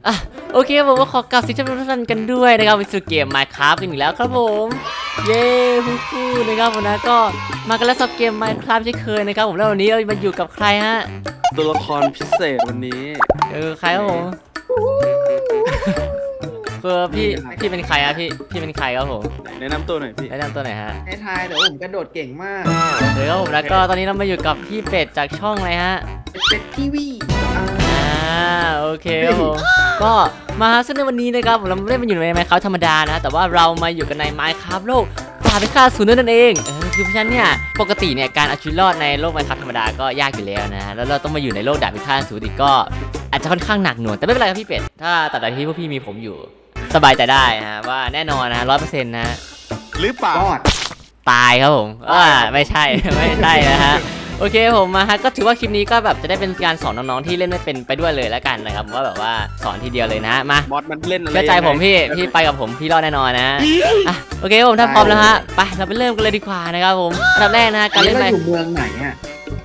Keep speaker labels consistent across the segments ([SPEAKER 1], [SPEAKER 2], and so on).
[SPEAKER 1] อ่ะโอเคผมก็ขอกราบสิทุกท่านกันด้วยนะครับไปสู่เกม Minecraft กันอีกแล้วครับผมเย้ฮู้นะครับผมนะก็มากันแล้วสับเกม Minecraft เช่นเคยนะครับผมแล้ววันนี้เรามาอยู่กับใครฮะ
[SPEAKER 2] ตัวละครพิเศษวันนี้
[SPEAKER 1] ใครครับผมคือพี่เป็นใครอะพี่เป็นใครครับผม
[SPEAKER 2] แนะนำตัวหน่อยพี่
[SPEAKER 1] แนะนำตัวหน่อยฮะ
[SPEAKER 3] ให้ทายเดี๋ยวผมกระโดดเก่งมาก
[SPEAKER 1] เดี๋ยวครับผมแล้วก็ตอนนี้เรามาอยู่กับพี่เป็ดจากช่องอะไรฮะ
[SPEAKER 3] เป็ดทีวี
[SPEAKER 1] โอเคครับผมก็มาซึ่งในวันนี้นะครับเราไม่ได้มาอยู่ใน Minecraft ธรรมดานะแต่ว่าเรามาอยู่กันใน Minecraft โลกป่าเป็นค่าศูนย์นั่นเองคือเพราะฉะนั้นเนี่ยปกติเนี่ยการเอาชีวิตรอดในโลก Minecraft ธรรมดาก็ยากอยู่แล้วนะแล้วเราต้องมาอยู่ในโลกดาบพิฆาตศูนย์อีกก็อาจจะค่อนข้างหนักหน่วงแต่ไม่เป็นไรครับพี่เป็ดถ้าตัดแต่ที่พวกพี่มีผมอยู่สบายใจได้นะว่าแน่นอนนะ100%นะ
[SPEAKER 2] หรือเปล่า
[SPEAKER 1] ตายครับผมไม่ใช่นะฮะโอเคผมมาฮะก็ถือว่าคลิปนี้ก็แบบจะได้เป็นการสอนน้องๆที่เล่นไม่เป็นไปด้วยเลยแล้วกันนะครับว่าแบบว่าสอนทีเดียวเลยนะมาม
[SPEAKER 2] อดมันเล่นอะไร
[SPEAKER 1] เชื่อใจผมพี่ไปกับผมพี่รอดแน่นอนนะโอเคผมถ้าพร้อมแล้วฮะไปเราไปเริ่มกันเลยดีกว่านะครับผมอันดับแรกนะการเล่น
[SPEAKER 3] ไปอยู่เมืองไหนอ่ะ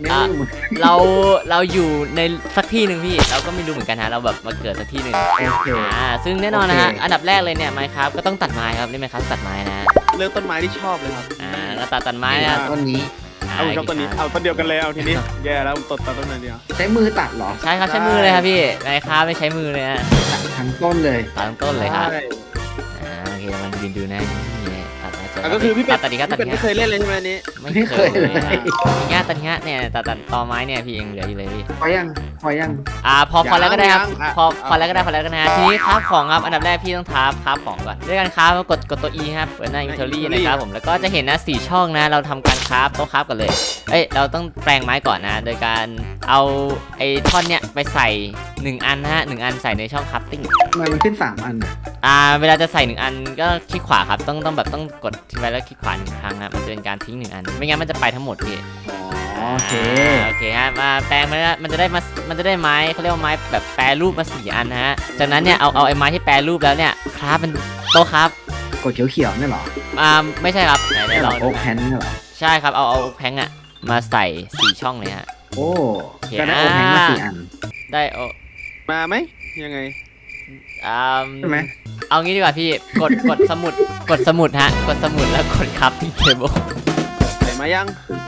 [SPEAKER 1] เราอยู่ในสักที่หนึ่งพี่เราก็ไม่รู้เหมือนกันฮะเราแบบมาเกิดสักที่หนึ่งซึ่งแน่นอนนะฮะอันดับแรกเลยเนี่ยไมค์ครับก็ต้องตัดไม้ครับนี่ไมค์ครับตัดไม้นะ
[SPEAKER 2] เลือกต้นไม้ที่ชอบเลยครับ
[SPEAKER 1] ก็ตัดไม้นะ
[SPEAKER 3] ต้นนี้
[SPEAKER 2] ผมชอบต้นนี้เอาต้นเดียวกันเลยเอาทีนี้แย่แล้วผมตัดต้นเดียว
[SPEAKER 3] ใช้มือตัดหรอ
[SPEAKER 1] ใช่ครับใช้มือเลยครับพี่ไมค์ครับไม่ใช้มือเลยนะ
[SPEAKER 3] ตัดทั้งต้นเลย
[SPEAKER 1] ตัดทั้งต้นเลยครับโอเคมันยืนดูนะ
[SPEAKER 2] ก็คือพี่เป็ดไม่เคยเล่นเลยใช่ไหมนี้
[SPEAKER 3] ไม่เคยเลย
[SPEAKER 1] ตัดเนี่ยตัดตอไม้เนี่ยพี่เองเหลืออยู่เลยพี่
[SPEAKER 3] พอยัง
[SPEAKER 1] พอแล้วก็ได้ครับพอแล้วก็ได้นะทีนี้คราฟของครับอันดับแรกพี่ต้องคราฟของก่อนด้วยการคราฟกดตัว E ครับเปิดหน้า inventory นะครับผมแล้วก็จะเห็นนะ4ช่องนะเราทำการคราฟโต๊ะคราฟกันเลยเราต้องแปลงไม้ก่อนนะโดยการเอาไอ้ท่อนเนี่ยไปใส่1อันนะฮะ1อันใส่ในช่องคราฟติ้ง
[SPEAKER 3] มันขึ้น3อัน
[SPEAKER 1] เวลาจะใส่1อันก็คลิกขวาครับต้องกดทิ้งไว้แล้วคลิกขวา1ครั้งนะมันจะเป็นการทิ้ง1อันไม่งั้นมันจะไปทั้งหมดพี่
[SPEAKER 3] โอ
[SPEAKER 1] เคฮะมาแปลงมันจะได้ไม้เขาเรียกว่าไม้แบบแปรรูปมา4อันนะฮะจากนั้นเนี่ยเอาไอ้ไม้ที่แปรรูปแล้วเนี่ยคราฟเป็นโต๊ะครับ
[SPEAKER 3] กดเขียวนี่หรอ
[SPEAKER 1] ไม่ใช่ครับไหนลอง
[SPEAKER 3] โอ๊กแพนนี่หรอ
[SPEAKER 1] ใช่ครับเอาแพงอะมาใส่4ช่องเลยฮะ
[SPEAKER 3] โอ้ก็ได้โอ๊กแพงมา4อัน
[SPEAKER 1] ได้
[SPEAKER 2] มาไหมยังไง
[SPEAKER 3] ใช่ไหม
[SPEAKER 1] เอางี้ดีกว่าพี่กดสมุดฮะกดสมุดแล้วกดครับที่เทเบิล
[SPEAKER 2] ใส่มายัง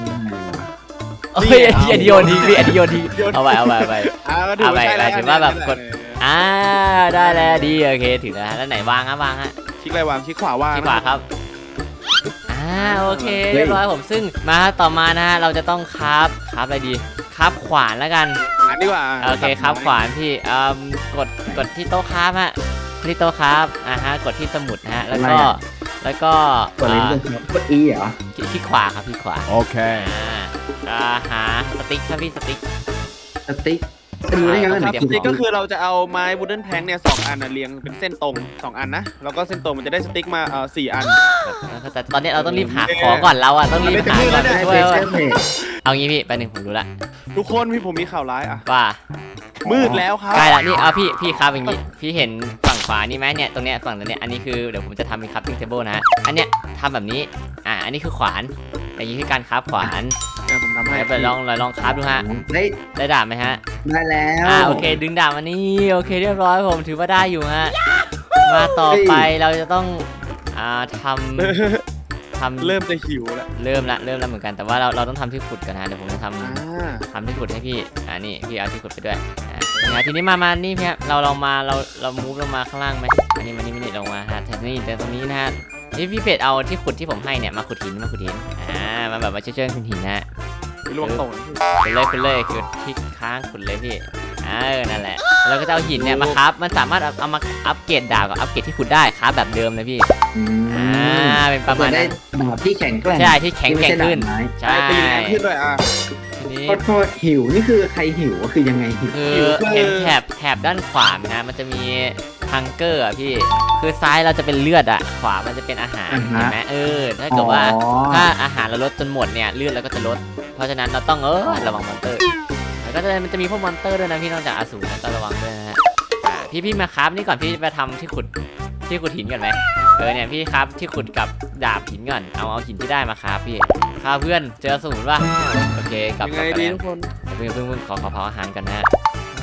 [SPEAKER 1] อันโยนทีเอาไปถือว่าแบบกดได้แล้วดีโอเคถึงแล้วไหนวางฮะ
[SPEAKER 2] คลิกอะไรวางคลิกขวาวาง
[SPEAKER 1] คลิกขวาครับโอเคเรียบร้อยผมซึ่งมาต่อมานะฮะเราจะต้องคราฟอะไรดีคราฟขวานแล้วกัน
[SPEAKER 2] ดีกว่า
[SPEAKER 1] โอเคคราฟขวานพี่กดที่โต๊ะคราฟฮะที่โต๊ะคราฟกดที่สมุดนะฮะแล้วก็
[SPEAKER 3] กด E เหรอ
[SPEAKER 1] ที่ขวาครับที่ขวา
[SPEAKER 2] โอเค
[SPEAKER 1] หาสติ๊กครับพี่สติ๊ก
[SPEAKER 3] ดูได้ยังไง
[SPEAKER 2] สติ๊กก็คือเราจะเอาไม้บูเดิลแพงเนี่ย2อันเรียงเป็นเส้นตรง2อันนะแล้วก็เส้นตรงมันจะได้สติ๊กมา4อัน
[SPEAKER 1] แต่ตอนนี้เราต้องรีบหาของก่อนเราต้องรีบหาก่อนช่วยเอางี้พี่ไปหนึ่งผมรู้ละ
[SPEAKER 2] ทุกคนผมมีข่าวร้าย
[SPEAKER 1] ว่า
[SPEAKER 2] มืดแล้วครับ
[SPEAKER 1] ใกล้ละนี่พี่ครับอย่างงี้พี่เห็นฝั่งขวานี่ไหมเนี่ยตรงเนี้ยฝั่งนั้นเนี่ยอันนี้คือเดี๋ยวผมจะทำเป็นคัพติ้งเทเบิลนะอันเนี้ยทำแบบนี้อันนี้คือขวานอย่างนี้คือการคราฟขวาน
[SPEAKER 2] ผมทำให้
[SPEAKER 1] ไปลองคราฟดูฮะได้ดาบไหมฮะ
[SPEAKER 3] ได้แล้ว
[SPEAKER 1] โอเคดึงดาบมานี่โอเคเรียบร้อยผมถือว่าได้อยู่ฮะมาต่อไปเราจะต้องทำ
[SPEAKER 2] เริ่มจะหิวแล้ว
[SPEAKER 1] เริ่มแล้วเหมือนกันแต่ว่าเราต้องทำที่ขุดกันนะเดี๋ยวผมจะทำที่ขุดให้พี่นี่พี่เอาที่ขุดไปด้วยทีนี้มานี่พี่เราลองมาเรามูฟลงมาข้างล่างไหมมานี่ลงมาฮะแต่ตรงนี้นะฮะนี่พี่เป็ดเอาที่ขุดที่ผมให้เนี่ยมาขุดหินมาแบบมาเชื่อหินนะฮะ
[SPEAKER 2] ลวงตรง
[SPEAKER 1] คุณเลยคือที่ค้างขุดเลยพี่นั่นแหละเราก็จะเอาหินเนี่ยมาครับมันสามารถเอามาอัปเกรดดาบกับอัปเกรดที่ขุดได้ครับแบบเดิมเลยพี่เป็นประมาณนั้น
[SPEAKER 3] ดาบที่แข็งแกร่ง
[SPEAKER 1] ใช่ที่แข็งขึ้น
[SPEAKER 2] ใช่ตีแรงขึ้นด้วย
[SPEAKER 3] ทีนี้โทษหิวนี่คือใครหิวก็คือยังไง
[SPEAKER 1] คือเห็นแถบด้านขวานะมันจะมีฮังเกอร์พี่คือซ้ายเราจะเป็นเลือดขวามันจะเป็นอาหารเห็นไหมถ้าเกิดว่าถ้าอาหารเราลดจนหมดเนี่ยเลือดเราก็จะลดเพราะฉะนั้นเราต้องระวังมอนเตอร์แล้วก็มันจะมีพวกมอนเตอร์ด้วยนะพี่นอกจากอสูรก็ระวังด้วยนะฮะพี่มาครับนี่ก่อนพี่ไปทำที่ขุดหินก่อนไหมเนี่ยพี่ครับที่ขุดกับดาบหินก่อนเอาหินที่ได้มาครับพี่ข้าเพื่อนเจออสูรป่ะโอเคกลับ
[SPEAKER 2] ยังไงดีทุกคน
[SPEAKER 1] เพิ่งขอเผาอาหารกันนะฮะ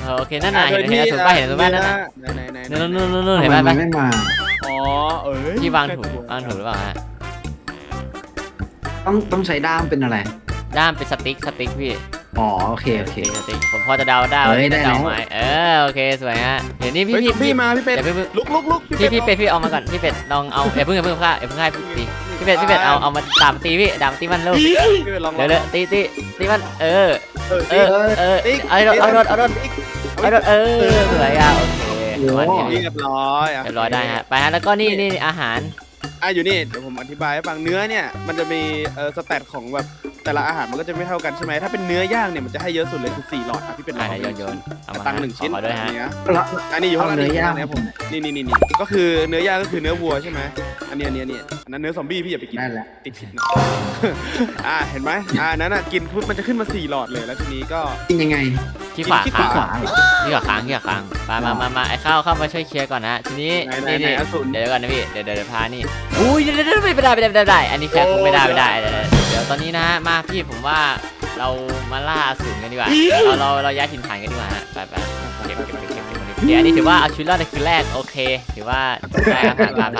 [SPEAKER 1] โอเคนั่นน่ะเห็นอสูรป่ะเห็นอสูรป่ะนั่นน่ะ
[SPEAKER 2] ไหน
[SPEAKER 1] นู่นเห็น
[SPEAKER 3] ทำ
[SPEAKER 1] ป่ะ
[SPEAKER 3] ไมมันไม่มา
[SPEAKER 2] อ๋อเอ้ย
[SPEAKER 1] ที่วางถูกหรือเปล่าฮะ
[SPEAKER 3] ต้องใช้ด้ามเป็นอะไร
[SPEAKER 1] ด้ามเป็นสติ๊กพี่
[SPEAKER 3] อ๋อโอเคโอเค
[SPEAKER 1] สติ๊กผมพอจะเดาได้ว่า
[SPEAKER 3] เฮ้ย
[SPEAKER 1] จะ
[SPEAKER 3] ได้
[SPEAKER 1] เดา
[SPEAKER 3] แล้ว
[SPEAKER 1] ไหมโอเคสวยฮะเดี๋ยวนี้
[SPEAKER 2] เฮ้ย
[SPEAKER 1] พี่
[SPEAKER 2] มาพี่เป็ด
[SPEAKER 1] เดี๋ยว
[SPEAKER 2] ลุก
[SPEAKER 1] พี่เป็ดพี่เอามาก่อนพี่เป็ดลองเอาอย่าเพิ่งฆ่าให้พี่เป็ดเอามาดามตีพี่ดามตีมันเร็ว
[SPEAKER 2] พี่เป็ดลอง
[SPEAKER 1] เดี๋ยวตีมันเอาโดนสวยอ่ะโอเควันนี้
[SPEAKER 2] เรียบร้อย
[SPEAKER 1] เรียบร้อยได้ฮะไปฮะแล้วก็นี่อาหาร
[SPEAKER 2] อยู่นี่เดี๋ยวผมอธิบายให้ฟังเนื้อเนี่ยมันจะมีสแตทของแบบแต่ละอาหารมันก็จะไม่เท่ากันใช่ไหมถ้าเป็นเนื้อย่างเนี่ยมันจะให้เยอะสุดเลยคือ4หลอดครับพี่เป็นลอง
[SPEAKER 1] โยนเอามา
[SPEAKER 2] ตังค์1ชิ้น
[SPEAKER 1] ขอด้วยฮะ
[SPEAKER 2] เนี้ย
[SPEAKER 3] แล้ว
[SPEAKER 2] อันนี้อยู่ข้างล่าง
[SPEAKER 3] เอาเนื้อย่าง
[SPEAKER 2] นี่ผมนี่ก็คือเนื้อย่างก็คือเนื้อวัวใช่ไหมอันนี้อันนั้นเนื้อซอมบี้พี่อย่าไปกิน
[SPEAKER 3] นั่นแหละ
[SPEAKER 2] ติดผิดนะ เห็นไหมนั้นกินปุ๊บมันจะขึ้นมา4หลอดเลยแล้วทีนี้ก็
[SPEAKER 3] กินยังไง
[SPEAKER 1] ที่ขวา
[SPEAKER 2] ที่
[SPEAKER 1] ค้าง
[SPEAKER 2] ขวา
[SPEAKER 1] ที่ขวาค้างมาไอ้เข้ามาช่วยเคลียร์ก่อนนะทีนี้
[SPEAKER 2] ไหนอสูร
[SPEAKER 1] เดี๋ยวก่อนนะพี่เดี๋ยวพานี่อุ้ยเดี๋ยวไม่ได้อันนี้แค่คงไม่ได้เดี๋ยวตอนนี้นะฮะมาพี่ผมว่าเรามาล่าอสูรกันดีกว่าเราย้ายถิ่นฐานกันดีกว่าฮะไปเก็บเดี๋ยวอันนี้ถือว่าเอาชีวิตรอดในคืนแรกโอเคถือว่าได้ครับผ่าน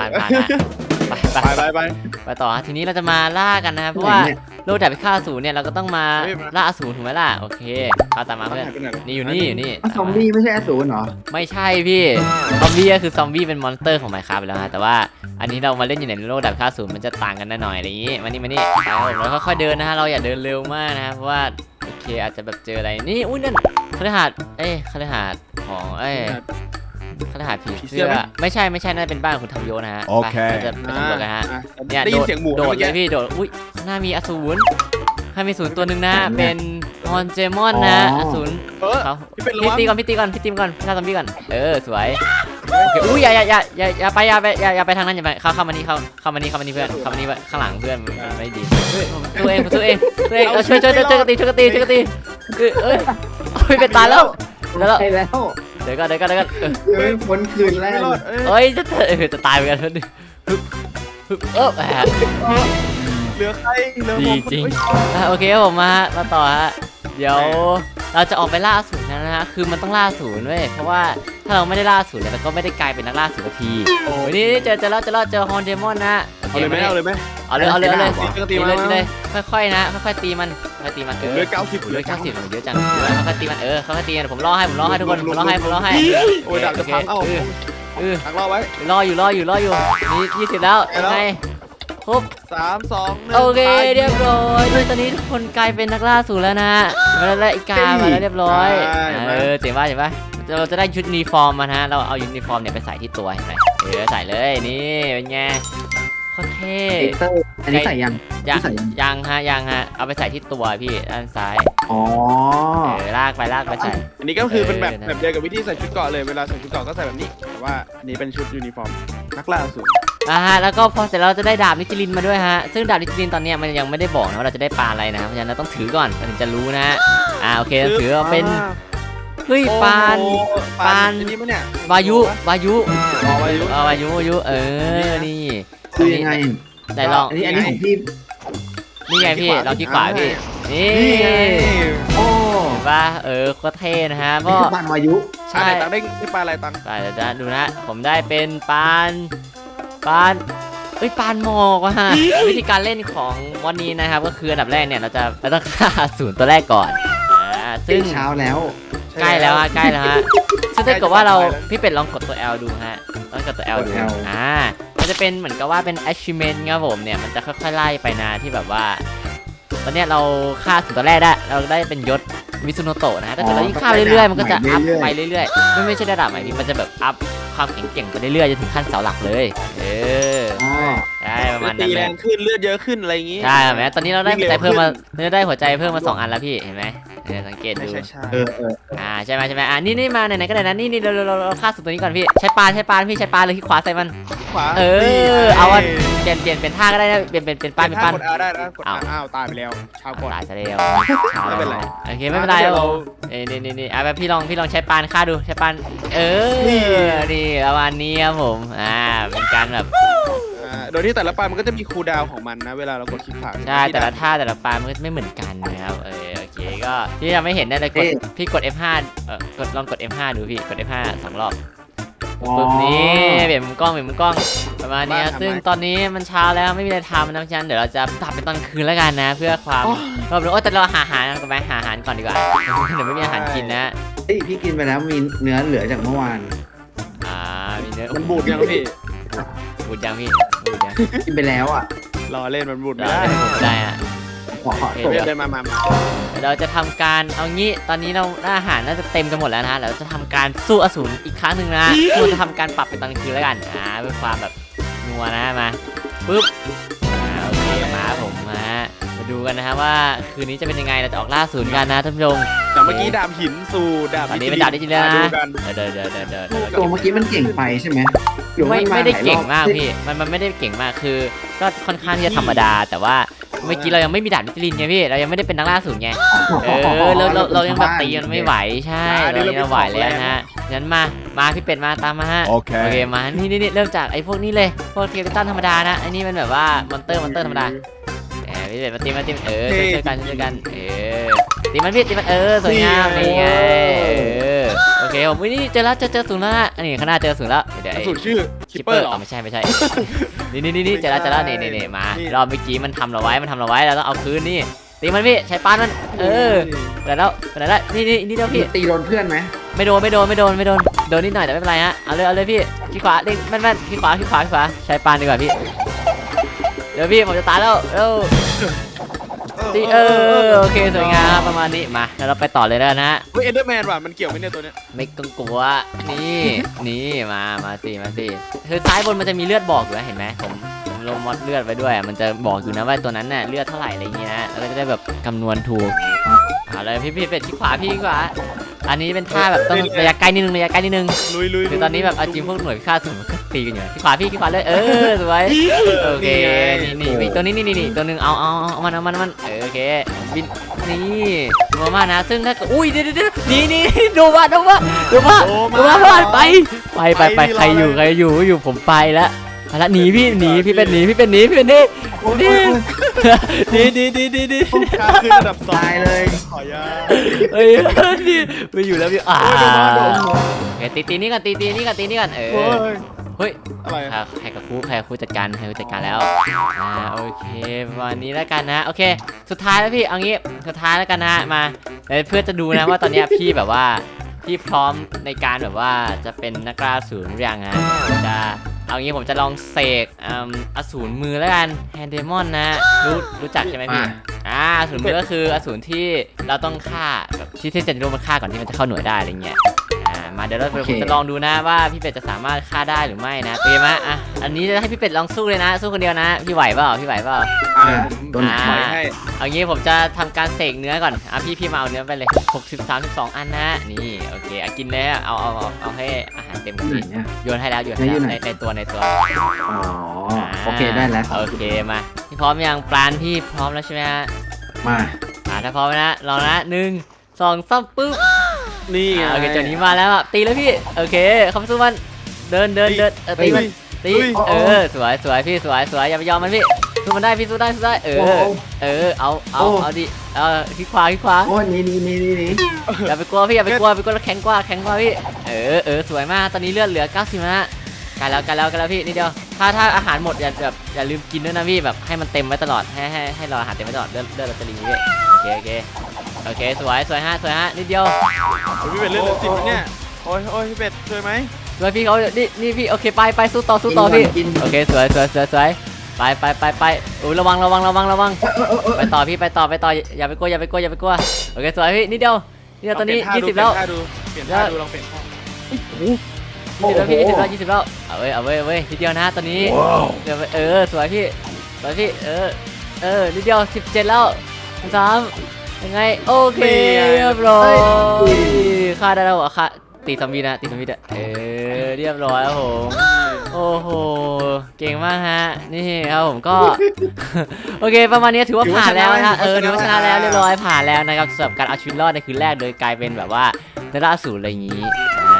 [SPEAKER 1] ไปต่อทีนี้เราจะมาล่ากันนะครับเพราะว่าโลกแต่ไปฆ่าอสูรเนี่ยเราก็ต้องมาล่าอสูรถูกไหมล่ะโอเคเข้าตามมาเพื่อนนี่อยู่นี่
[SPEAKER 3] ซอมบี้ไม่ใช่อสูรเหรอ
[SPEAKER 1] ไม่ใช่พี่ซอมบี้ก็คือซอมบี้เป็นมอนสเตอร์ของ Minecraft ไปแล้วฮะแต่ว่าอันนี้เรามาเล่นอยู่ในโลกดับค่าศูนย์มันจะต่างกันหน่อยอะไรอย่างงี้มานี่เราค่อยๆเดินนะฮะเราอย่าเดินเร็วมากนะเพราะว่าโอเคอาจจะแบบเจออะไรนี่อุ้ยนั่นคฤหาสน์คฤหาสน์ของคฤหาสน์ผีเสื้อไม่ใช่น่าจะเป็นบ้านของคุณทำโยนะฮะเราจะไปสำรวจกันฮะเนี่ย
[SPEAKER 2] ได้ยินเสียงหมู
[SPEAKER 1] โดด
[SPEAKER 2] เมื่อ
[SPEAKER 1] เล
[SPEAKER 2] กี้
[SPEAKER 1] ยพี่โดดอุ้ยข้างหน้ามีอสูรข้างมีอสูรตัวหนึ่งนะเป็นฮอนเจมอนนะอสูร เขา
[SPEAKER 2] พี่เป็นระ
[SPEAKER 1] พี่
[SPEAKER 2] วัง
[SPEAKER 1] ตีก่อนฆ่าซอมบี้ก่อนสวยโอเคอุ้ยอย่าไปทางนั้นอย่าไปเข้ามานี่เพื่อนเข้ามานี่ข้างหลังเพื่อนมันไม่ดีผมตัวเองช่วยกันตีเอ้ยเป็นตายแล้ว
[SPEAKER 3] ใช่แล้ว
[SPEAKER 1] เดี๋ยวก่อน
[SPEAKER 3] พ้นคืนแรก
[SPEAKER 2] ไม่รอด
[SPEAKER 1] เอ้ยจะตายเหมือนกันแหม
[SPEAKER 2] เหลือใครเหลือ
[SPEAKER 1] ดี
[SPEAKER 2] ผม
[SPEAKER 1] จริงโอเคผมมาต่อฮะเดี๋ยวเราจะออกไปล่าอสูรนะฮะคือมันต้องล่าอสูรเว้ยเพราะว่าถ้าเราไม่ได้ล่าอสูรเนี่ยเราก็ไม่ได้กลายเป็นนักล่าอสูรทีนี่เจอแล้วฮอนเดมอนนะ
[SPEAKER 2] เอาเลยไหม
[SPEAKER 1] เอาเลยตีเลยค่อยๆนะค่อยๆตีมัน
[SPEAKER 2] เหลือ90
[SPEAKER 1] เหลือ90เยอะจังค่อยๆตีมันค่อยๆตีมันผมรอให้ทุกคนผมรอให้
[SPEAKER 2] โอ้ยดับจะพังพังรอไว้
[SPEAKER 1] รออยู่นี่20แล้วยังไงครบ
[SPEAKER 2] 3 2 1
[SPEAKER 1] โอเคเรียบร้อยตอนนี้ทุกคนกลายเป็นนักล่าอสูรแล้วนะมาแล้วอีกามาแล้วเรียบร้อยเจ๋งป่ะเราจะได้ชุดยูนิฟอร์มมานะเราเอายูนิฟอร์มเนี่ยไปใส่ที่ตัวเห็นไหมใส่เลยนี่เป็นไงโคตรเท่
[SPEAKER 3] อันนี้ใส่ยัง
[SPEAKER 1] ยังฮะเอาไปใส่ที่ตัวพี่ด้านซ้าย
[SPEAKER 3] อ๋อ
[SPEAKER 1] ลากไปใส่
[SPEAKER 2] อันนี้ก็คือเป็นแบบเดียวกับวิธีใส่ชุดเกราะเลยเวลาใส่ชุดเกราะก็ใส่แบบนี้แต่ว่านี่เป็นชุดยูนิฟอร์มนักล่าอสูร
[SPEAKER 1] แล้วก็พอเสร็จเราจะได้ดาบนิจิลินมาด้วยฮะซึ่งดาบนิจิลินตอนนี้มันยังไม่ได้บอกนะว่าเราจะได้ปลาอะไรนะเพราะฉะนั้นเราต้องถือก่อนถึงจะรู้นะโอเคถือเป็นเฮ้ยปาน
[SPEAKER 2] นี่มั้ยเนี่ยว
[SPEAKER 1] ายุ
[SPEAKER 2] วายุ
[SPEAKER 1] นี่
[SPEAKER 3] คือยังไง
[SPEAKER 1] ได้ลอง
[SPEAKER 3] อันนี้ของพี่
[SPEAKER 1] นี่ไงพี่ลองที่ขวาพี่นี่
[SPEAKER 3] โอ้
[SPEAKER 1] เห็นป่ะก็เท่นะฮะ
[SPEAKER 3] นี่คือปานวายุ
[SPEAKER 1] ใช่
[SPEAKER 2] ตังได้ปลาอะไรตัง
[SPEAKER 1] เดี๋ยวดูนะผมได้เป็นปานปานหมอกว่ะฮะวิธีการเล่นของวันนี้นะครับก็คืออันดับแรกเนี่ยเราต้องฆ่าอสูรตัวแรกก่อนซึ่ง
[SPEAKER 3] เช้าแล้ว
[SPEAKER 1] ใกล้แล้วฮะซึ่งถ้าเกิดว่าพี่เป็ดลองกดตัว L ดูฮะลองกดตัว L ดูมันจะเป็นเหมือนกับว่าเป็น achievement ครับผมเนี่ยมันจะค่อยๆไล่ไปนะที่แบบว่าตอนเนี้ยเราฆ่าถึงตัวแรกได้เราได้เป็นยศมิซุโนโตะนะถ้าเกิดเรายิ่งฆ่าเรื่อยๆมันก็จะอัพไปเรื่อยๆไม่ใช่ระดับใหม่พี่มันจะแบบอัพความแข็งๆไปเรื่อยๆจนถึงขั้นเสาหลักเลยใช่ประมาณนั้น
[SPEAKER 2] ตีแรงขึ้นเลือดเยอะขึ้นอะไรอย่างงี้
[SPEAKER 1] ใช่ไหมตอนนี้เราได้หัวใจเพิ่มมา2 อันแล้วพี่เห็นไหมสังเกตดูใช่ไหมนี่มาไหนๆก็ได้นะนี่เราฆ่าสุดตัวนี้ก่อนพี่ใช้ปานพี่ใช้ปานเลยที่ขวาใส่มัน
[SPEAKER 2] ขวา
[SPEAKER 1] เอาเปลี่ยนเป็นท่าก็ได้นะเป็นปาน
[SPEAKER 2] กดได้นะกดอ้าวตายไปแล้วชาวก่อน
[SPEAKER 1] ตายซะแล้ว
[SPEAKER 2] ไม่เป็นไร
[SPEAKER 1] โอเคไม่เป็นไรนี่แบบพี่ลองใช้ปานฆ่าดูใช้ปานนี่ประมาณนี้ครับผมเป็นการแบบ
[SPEAKER 2] โดยที่แต่ละปลามันก็จะมีคูลดาวน์ของมันนะเวลาเรากดคลิกขวา
[SPEAKER 1] ใช่แต่ละท่าแต่ละปานมันก็ไม่เหมือนกันนะครับโอเคก็ก็ที่จะไม่เห็นได้เลยกดพี่กด F5 ลองกด F5 ดูพี่กด F5 2 รอบปุ๊บนี้เปลี่ยนมุมกล้องประมาณนี้ซึ่งตอนนี้มันเช้าแล้วไม่มีอะไรทำนะเพราะฉะนั้นเดี๋ยวเราจะตัดเป็นตอนคืนแล้วกันนะเพื่อความแต่เราหาอาหารกันไหมหาอาหารก่อนดีกว่าเดี๋ยวไม่มีอาหารกินนะ
[SPEAKER 3] พี่กินไปแล้วมีเนื้อเหลือจากเมื่อวาน
[SPEAKER 1] มีเนื้อ
[SPEAKER 2] มันบูดยังพี่
[SPEAKER 1] บูดยังพี่บูดยัง
[SPEAKER 3] กินไปแล้วอ่ะ
[SPEAKER 2] รอเล่นมันบูดไม่
[SPEAKER 1] ได้
[SPEAKER 2] ได้
[SPEAKER 1] ได้อะ
[SPEAKER 3] ขอ
[SPEAKER 1] โอเค
[SPEAKER 3] ตก
[SPEAKER 2] เดินมา
[SPEAKER 1] เราจะทำการเอางี้ตอนนี้เราได้อาหารน่าจะเต็มกันหมดแล้วนะเราจะทำการสู้อสูรอีกครั้งหนึ่งนะเราจะทำการปรับเป็นตอนคืนแล้วกันเพื่อความแบบนัวนะมาปุ๊บโอเคมาผมมาดูกันนะฮะว่าคืนนี้จะเป็นยังไงเราจะออกล่าอสูรกันนะท่านผู้ชม
[SPEAKER 2] จากเมื่อกี้ดาบหินสู่ดาบ
[SPEAKER 1] ตอนนี้เป็นดาบดิจิทัล
[SPEAKER 2] ดู
[SPEAKER 1] นะ
[SPEAKER 2] กัน
[SPEAKER 1] เดิน
[SPEAKER 3] ตัวเมื่อกี้มันเก่งไปใช่ไหมหรือว่า
[SPEAKER 1] ไม่ได้
[SPEAKER 3] หลยรอบ
[SPEAKER 1] เก่งมากพี่มันไม่ได้เก่งมากคือก็ค่อนข้างที่จะธรรมดาแต่ว่าเมื่อกี้เรายังไม่มีดาบดิจิลินไงพี่เรายังไม่ได้เป็นนักล่าอสูรไงเรายังแบบตีมันไม่ไหวใช่เรายังไหวแล้วนะฮะงั้นมาพี่เป็ดมาตามมาฮะ โอเคมานี่เริ่มจากไอ้พวกนี้เลยพวกเทียร์ตันธรรมดานะไอ้นี่มันแบบว่ามอนเตอร์ธรรมดาพี่เป็ดมาตีช่วยกันตีมันพี่ตีมันสวยงามนี่ไงโอเคผมนี่เจอศูนย์แล้วอันนี้ข้างหน้าเจอศูนย์แล้วเดี๋ยว
[SPEAKER 2] สูตรชื่อคิปเปอร์หรอ
[SPEAKER 1] ไม่ใช่นี่เจอแล้วนี่มารอบเมื่อกี้มันทำเราไว้เราต้องเอาคืนนี่ตีมันพี่ใช้ปานมันไปแล้วนี่เดียวพี่
[SPEAKER 3] ตีโดนเพื่อนไหม
[SPEAKER 1] ไม่โดนนิดหน่อยแต่ไม่เป็นไรฮะเอาเลยพี่ขี้ขวาเล่นแม่นขี้ขวาใช้ปานดีกว่าพี่เดี๋ยวพี่ผมจะตายแล้วตีโอเคสวยงามประมาณนี้มาแล้วเราไปต่อเลยแล้วนะ
[SPEAKER 2] เฮ้ยเอนเดอร์แมนว่ะมันเกี่ยวไหมเนี่ยตัวเนี้ย
[SPEAKER 1] ไม่ต้องกลัวนี่มาสิคือซ้ายบนมันจะมีเลือดบอกอยู่นะเห็นไหมผมลงมอดเลือดไว้ด้วยมันจะบอกอยู่นะว่าตัวนั้นน่ะเลือดเท่าไหร่อะไรอย่างเงี้ยนะแล้วก็จะได้แบบคำนวณถูกเอาเลยพี่เป็ดที่ขวาอันนี้เป็นท่าแบบต้องระยะใกล้นิดนึง
[SPEAKER 2] ลุย
[SPEAKER 1] คือตอนนี้แบบเอาจริงพวกหน่วยพิฆาตสูงก็ตีกันอยู่ที่ขวาเลยสวยโอเคนี่ตัวนี้ตัวนึงเอามันโอเคบินนี่รัวมากนะซึ่งถ้าอุ้ยเดี๋ยวนี่ดูว่าพลาดไปใครอยู่ผมไปแล้วหนีพี่เป็นหนีนี่
[SPEAKER 2] ค่าขึ้นระดับ2
[SPEAKER 3] ตายเลย
[SPEAKER 2] ขอยา
[SPEAKER 1] นี่ไม่อยู่แล้วพี่ตีนี่กันเฮ้ย
[SPEAKER 2] อะไร
[SPEAKER 1] ใครกับครูจัดการแล้วโอเคประมาณนี้แล้วกันนะโอเคสุดท้ายแล้วพี่เอางี้สุดท้ายแล้วกันนะมาเพื่อจะดูนะว่าตอนนี้พี่แบบว่าพี่พร้อมในการแบบว่าจะเป็นนักล่าอสูรหรือยังฮะจะเอางี้ผมจะลองเสกอสูรมือแล้วกันแฮนเดมอนนะรู้จักใช่ไหมพี่อสูรมือก็คืออสูรที่เราต้องฆ่าแบบที่จะโดนมันฆ่าก่อนที่มันจะเข้าหน่วยได้อะไรเงี้ยมาเดี๋ยวผมจะลองดูนะว่าพี่เป็ดจะสามารถฆ่าได้หรือไม่นะเตรียมะอันนี้จะให้พี่เป็ดลองสู้เลยนะสู้คนเดียวนะพี่ไหวเปล่า
[SPEAKER 2] โดนปล่อยให้
[SPEAKER 1] เอางี้ผมจะทำการเสกเนื้อก่อนพี่มาเอาเนื้อไปเลย32อันนะนี่โอเคกินเลยเอาให้อาหารเต็มที่โยนให้แล้วในตัว
[SPEAKER 3] อ๋อโอเคได้แล้ว
[SPEAKER 1] โอเคมาพี่พร้อมยังปราณพี่พร้อมแล้วใช่ไหมฮะ
[SPEAKER 3] มา
[SPEAKER 1] ถ้าพร้อมนะลองนะ1 2 3ปึ๊บ
[SPEAKER 2] นี่
[SPEAKER 1] โอเคตัวนี้มาแล้วตีแล้วพี่โอเคเข้าไปสู้มันเดินตีมันสวยพี่สวยอย่าไปยอมมันพี่สู้มันได้พี่สู้ได้เอาดิขี้ขวา
[SPEAKER 3] โอ้นี่
[SPEAKER 1] อย่าไปกลัวพี่อย่าไปกลัวแข็งกว่าพี่สวยมากตอนนี้เลือดเหลือ90นะกันแล้วพี่นิดเดียวถ้าอาหารหมดอย่าลืมกินด้วยนะพี่แบบให้มันเต็มไว้ตลอดให้เราอาหารเต็มไว้ตลอดเลือดเราจะรีพี่โอเคสวยฮะนิดเดียว
[SPEAKER 2] พี่เป็ดเลือดเหลือ10เนี่ยโอ้ยพี่เป็ดช่วยไหม
[SPEAKER 1] ช่วยพี่เขานี่พี่โอเคไปสู้ต่อพี่โอเคสวยไประวังไปต่อพี่ไปต่ออย่าไปกลัวโอเคสวยพี่นิดเดียวตอนนี้20แล้ว
[SPEAKER 2] เปลี่ยนท่าดูลองเปลี่ยนท่า
[SPEAKER 1] 20แล้วเอาเว้ยนิดเดียวนะตอนนี้สวยพี่นิดเดียว17แล้ว3ยังไงโอเคเรียบร้อยฆ่าได้แล้วค่าตีซอมบี้เรียบร้อยครับผมโอ้โหเก่งมากฮะนี่ครับผมก็โอเคประมาณนี้ถือว่าผ่านแล้วนะถือว่าชนะแล้วเรียบร้อยผ่านแล้วนะครับสำหรับการเอาชีวิตรอดในคืนแรกโดยกลายเป็นแบบว่านักล่าอสูรอะไรอย่างนี้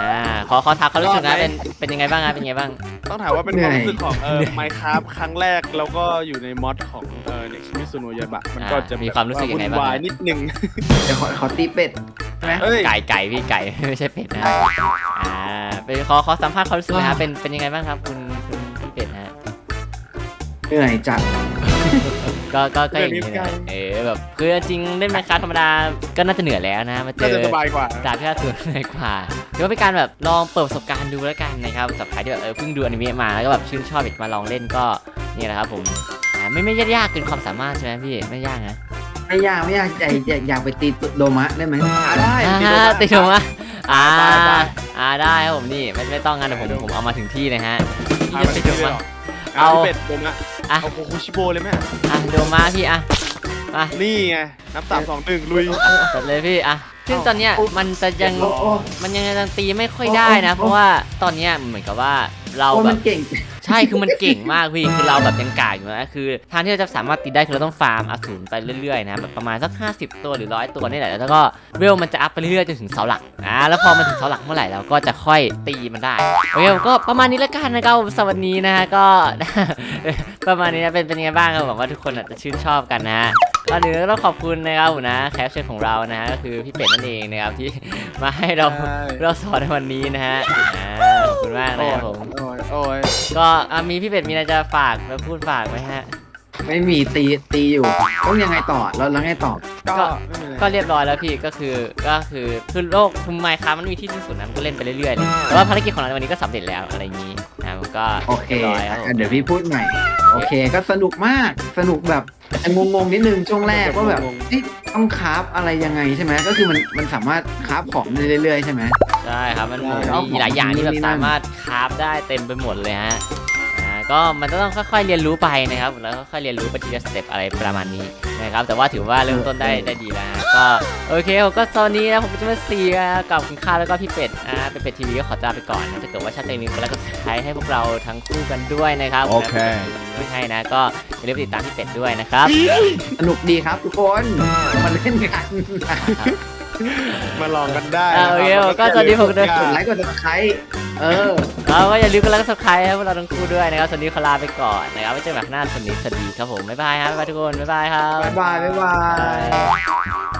[SPEAKER 1] ขอถามความรู้สึกนะเป็นยังไงบ้างครับเป็นยังไงบ้าง
[SPEAKER 2] ต้องถามว่าเป็นความรู้สึกของMinecraft ครั้งแรกแล้วก็อยู่ในมอดของNext Mizuno Yaiba มันก็จะ
[SPEAKER 1] มีความรู้สึกยังไงบ้าง
[SPEAKER 2] วุ่นวายนิดนึง
[SPEAKER 3] เดี๋ยวขอตีเป็ดใช่ไหม
[SPEAKER 2] เอ้ย
[SPEAKER 1] ไก่พี่ไก่ ไม่ใช่เป็ดนะเป็นขอสัมภาษณ์ความรู้สึกนะครับเป็นยังไงบ้างครับคุณพี่เป็ดฮะ
[SPEAKER 3] เหนื่อยจัด
[SPEAKER 1] ก็อย่างนี้นะแบบคือจริงเล่นไมค์คราฟธรรมดาก็น่าจะเหนื่อยแล้วนะมาเจ
[SPEAKER 2] ก็
[SPEAKER 1] อ
[SPEAKER 2] จะสบายกว่า
[SPEAKER 1] ดาบพิฆาตอสูรเหนื่อยกว่าถือว่าเป็นการแบบลองเปิดประสบการณ์ดูแล้วกันนะครับสำหรับใครที่แบบเพิ่งดูอนิเมะมาแล้วก็แบบชื่นชอบอยากมาลองเล่นก็นี่แหละครับผมไม่ยากเกินความสามารถใช่ไหมพี่ไม่ยากนะ
[SPEAKER 3] ไม่ยากใจอยากไปตีโดมะได้ไหม
[SPEAKER 2] ได้
[SPEAKER 1] ติดมา
[SPEAKER 2] ได้
[SPEAKER 1] ได้ครับผมนี่ไม่ต้องงั้นเดี๋ยวผมเอามาถึงที่เลยฮะพี่จะติดมา
[SPEAKER 2] เอาเป็ดโดมะเอาโคคุชิโบเลยไหม
[SPEAKER 1] โดมาพี่มา
[SPEAKER 2] นี่ไงนับ3 2 1ลุย
[SPEAKER 1] จัดเลยพี่ซึ่งตอนเนี้ยมันจะยังตีไม่ค่อยได้นะเพราะว่าตอนเนี้ยเหมือนกับว่าเราแบ
[SPEAKER 3] มั
[SPEAKER 1] บ
[SPEAKER 3] นเก่ง
[SPEAKER 1] ใช่คือมันเก่งมากพี่คือเราแบบยังกากอยู่นะคือทางที่เราจะสามารถตีได้คือเราต้องฟาร์มอสูรไปเรื่อยๆนะแบบประมาณสัก50ตัวหรือ100ตัวนี่แหละแล้วก็เวลมันจะอัพไปเรื่อยๆจนถึงเสาหลักแล้วพอมันถึงเสาหลักเมื่อไหร่เราก็จะค่อยตีมันได้โอเคก็ประมาณนี้แล้วกันนะครับสวัสดีนะฮะก็ ประมาณนี้นะเป็นยังไงบ้างครับหวังว่าทุกคนจะชื่นชอบกันนะฮะก็เดี๋ยวต้องขอบคุณนะครับนะแขกรับเชิญของเรานะฮะก็คือพี่เป็ดนั่นเองนะครับที่มาให้เราสอนในวันนี้นะฮะขอบคุณมากนะครับผม
[SPEAKER 2] โอ้ย
[SPEAKER 1] ก็มีพี่เป็ดมีอะไรจะฝากมาพูดฝากไหมฮะ
[SPEAKER 3] ไม่มีตีอยู่ต้องยังไงต่อแล้วไงต่อ
[SPEAKER 2] ก็ไม่เป็นไร
[SPEAKER 1] ก็เรียบร้อยแล้วพี่ก็คือโลกคุมไมค์ครับมันมีที่สิ้นสุดนะมันก็เล่นไปเรื่อยๆเลยแต่ว่าภารกิจของเราในวันนี้ก็สำเร็จแล้วอะไรอย่างนี้ผมก็
[SPEAKER 3] โอเค
[SPEAKER 1] เรียบร้อยครับผม
[SPEAKER 3] เดี๋ยวพี่พูดใหม่โอเคก็สนุกมากสนุกแบบงงนิดนึงช่วงแรกว่าแบบต้องคราฟอะไรยังไงใช่ไหมก็คือมันสามารถคราฟของได้เรื่อยๆใช่ไหม
[SPEAKER 1] ใช่ครับมันมีหลายอย่างที่แบบสามารถคราฟได้เต็มไปหมดเลยฮะก็มันต้องค่อยๆเรียนรู้ไปนะครับแล้วก็ค่อยเรียนรู้ไปทีละสเต็ปอะไรประมาณนี้นะครับแต่ว่าถือว่าเริ่มต้นได้ดีแล้วก็โอเคผมก็ตอนนี้นะผมจะมาซีกับคุณข้าวแล้วก็พี่เป็ดเป็นเป็ดทีวีก็ขอลาไปก่อนนะถ้าเกิดว่าชอบใจนี้ก็แล้วก็ใช้ให้พวกเราทั้งคู่กันด้วยนะครับโอเคไม่ให้นะก็อย่าลืมติดตามพี่เป็ดด้วยนะครับ
[SPEAKER 3] สนุกดีครับทุกคนมาเล่นกัน
[SPEAKER 2] มาลองกันได้
[SPEAKER 1] โอเคก็สวัสดีผมด้วย
[SPEAKER 3] กดไลค์กด subscribe
[SPEAKER 1] ก็อย่าลืมกดไลค์กดซับสไครต์ให้พวกเราทั้งคู่ด้วยนะครับสวัสดีขอลาไปก่อนนะครับไว้เจอกันใหม่ข้างหน้าสวัสดีครับผมบ๊ายบายครับบ๊ายบายทุกคนบ๊ายบายครับ
[SPEAKER 3] บ๊ายบาย